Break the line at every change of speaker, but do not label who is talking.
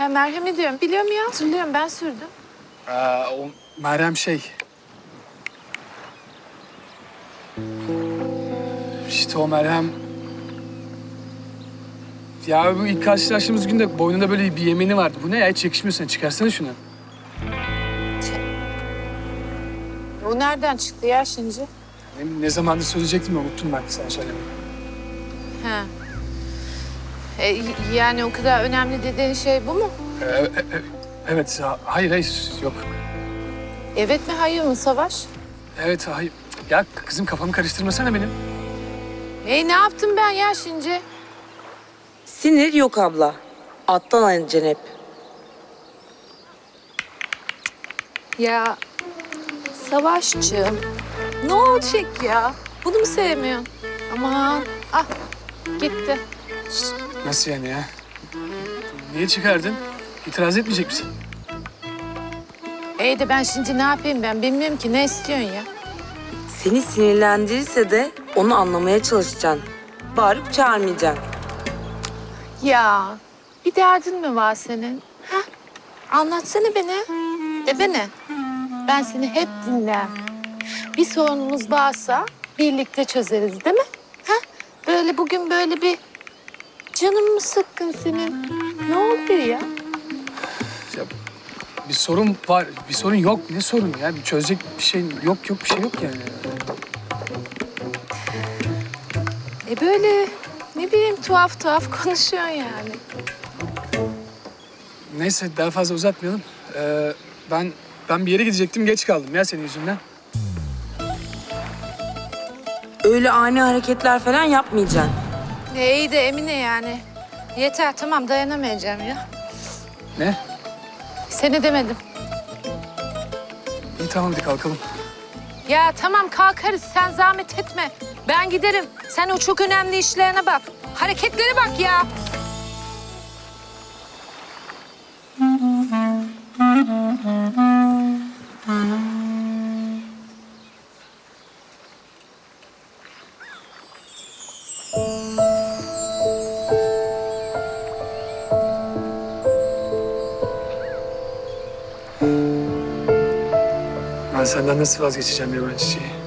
Ha, merhem ediyorum. Biliyorum ya, hatırlıyorum. Ben sürdüm.
O Meryem şey... İşte o Meryem... Ya bu ilk karşılaştığımız günde boynunda böyle bir yemeni vardı. Bu ne ya? Hiç yakışmıyor sana. Çıkarsana şunu.
O nereden çıktı ya şimdi?
Ne zamandır söyleyecektim ya, unuttum ben sana söylemeyi.
Ha. Yani o kadar önemli dediğin şey bu mu?
Evet, hayır, yok.
Evet mi, hayır mı Savaş?
Evet, hayır. Ya kızım kafamı karıştırmasana benim.
Ne yaptım ben ya şimdi?
Sinir yok abla. Alttan alacaksın hep.
Ya Savaşçığım, ne olacak ya? Bunu mu sevmiyorsun? Aman, ah gitti.
Nasıl yani ya? Niye çıkardın? İtiraz etmeyecek misin?
İyi de ben şimdi ne yapayım ben? Bilmiyorum ki, ne istiyorsun ya?
Seni sinirlendirirse de onu anlamaya çalışacaksın. Bağırıp çağırmayacaksın.
Ya bir derdin mi var senin? Ha? Anlatsana bana. De bana. Ben seni hep dinlerim. Bir sorunumuz varsa birlikte çözeriz, değil mi? Ha? Böyle bugün böyle bir canın mı sıkkın senin? Ne oluyor ya?
Ya, bir sorun var, bir sorun yok. Ne sorun ya? Bir çözecek bir şey yok, bir şey yok yani.
Böyle ne bileyim tuhaf konuşuyorsun yani.
Neyse, daha fazla uzatmayalım. Ben bir yere gidecektim, geç kaldım ya senin yüzünden.
Öyle ani hareketler falan yapmayacaksın.
İyi de Emine yani. Yeter, tamam, dayanamayacağım ya.
Ne?
Seni demedim.
İyi, tamam, hadi kalkalım.
Ya tamam, kalkarız, sen zahmet etme. Ben giderim. Sen o çok önemli işlerine bak. Hareketlere bak ya.
Ben senden nasıl vazgeçeceğim yaban çiçeği?